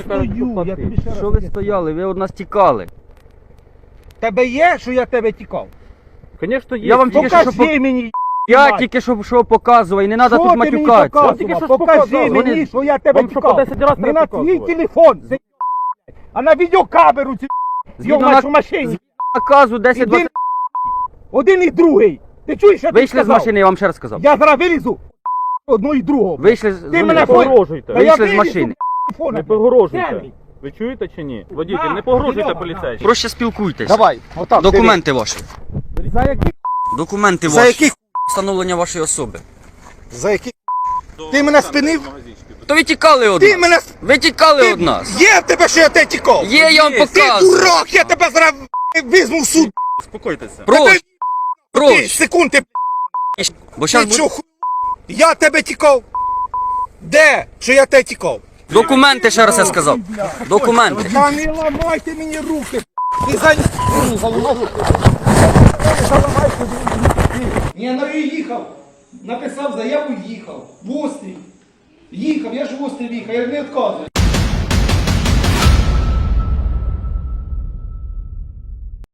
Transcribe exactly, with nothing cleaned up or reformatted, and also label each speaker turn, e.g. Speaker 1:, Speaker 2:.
Speaker 1: стою, я тобі ще раз.
Speaker 2: Що ви стояли? Ви від нас тікали.
Speaker 1: Тебе є, що я тебе тікав?
Speaker 3: Конечно, є.
Speaker 2: Я вам тільки що, що
Speaker 1: Покажи мені,
Speaker 2: я тільки що, що показував, і не треба
Speaker 1: що
Speaker 2: тут
Speaker 1: ти мені
Speaker 2: матюкатися.
Speaker 3: Вам тільки що
Speaker 1: показував? Покажи
Speaker 3: показував.
Speaker 1: мені,
Speaker 2: Вони-
Speaker 1: що я тебе
Speaker 3: Вам що по
Speaker 1: тікав.
Speaker 3: десять раз
Speaker 1: Не
Speaker 3: треба
Speaker 1: на твій
Speaker 3: показувати?
Speaker 1: телефон, це, а на відеокамеру ці
Speaker 2: Згідно
Speaker 1: зйомаєш
Speaker 2: на-
Speaker 1: у машині.
Speaker 2: Наказу десять
Speaker 1: Іди,
Speaker 2: двадцять.
Speaker 1: один і другий. Ти чуєш, що ти
Speaker 2: Вийшли з
Speaker 1: сказав?
Speaker 2: машини, я вам ще раз сказав.
Speaker 1: Я зараз вилізу одну і другого.
Speaker 2: Вийшли з
Speaker 1: Ти
Speaker 2: з-
Speaker 1: мене
Speaker 3: Не
Speaker 1: фон-
Speaker 3: погрожуйте.
Speaker 1: Та я
Speaker 2: Вийшли з
Speaker 1: вилізу,
Speaker 2: машини.
Speaker 1: телефона.
Speaker 3: Не погрожуйте.
Speaker 1: Сергій.
Speaker 3: Ви чуєте чи ні? Водитель,
Speaker 1: На,
Speaker 3: не погрожуйте
Speaker 1: Серега,
Speaker 3: поліцейським.
Speaker 2: Проще спілкуйтесь.
Speaker 1: Давай, отак.
Speaker 2: Документи ваші.
Speaker 1: диви. За які?
Speaker 2: Документи
Speaker 1: За
Speaker 2: ваші.
Speaker 1: які?
Speaker 2: Встановлення вашої особи.
Speaker 1: За які? Ти мене спинив?
Speaker 2: То ви тікали від
Speaker 1: Ти
Speaker 2: нас.
Speaker 1: мене...
Speaker 2: Ви тікали від нас.
Speaker 1: Є в тебе, що я тебе тікав?
Speaker 2: Є, я вам
Speaker 1: Ти
Speaker 2: показую.
Speaker 1: дурак, я тебе зараз візьму в суд.
Speaker 3: Успокойтеся.
Speaker 2: Проще,
Speaker 1: Ти
Speaker 2: проще.
Speaker 1: секунд, ти,
Speaker 2: Бо
Speaker 1: ти
Speaker 2: зараз
Speaker 1: чо, ху... Я тебе тікав? Де? Що я тебе тікав?
Speaker 2: документи, ще раз я сказав. Документи.
Speaker 1: Та не ламайте мені руки. Ти за... Ні, заламай руки. Ні, ну і їхав. Написав заяву, їхав. В острів. Їхав, я ж в острів їхав, я ж не відказую.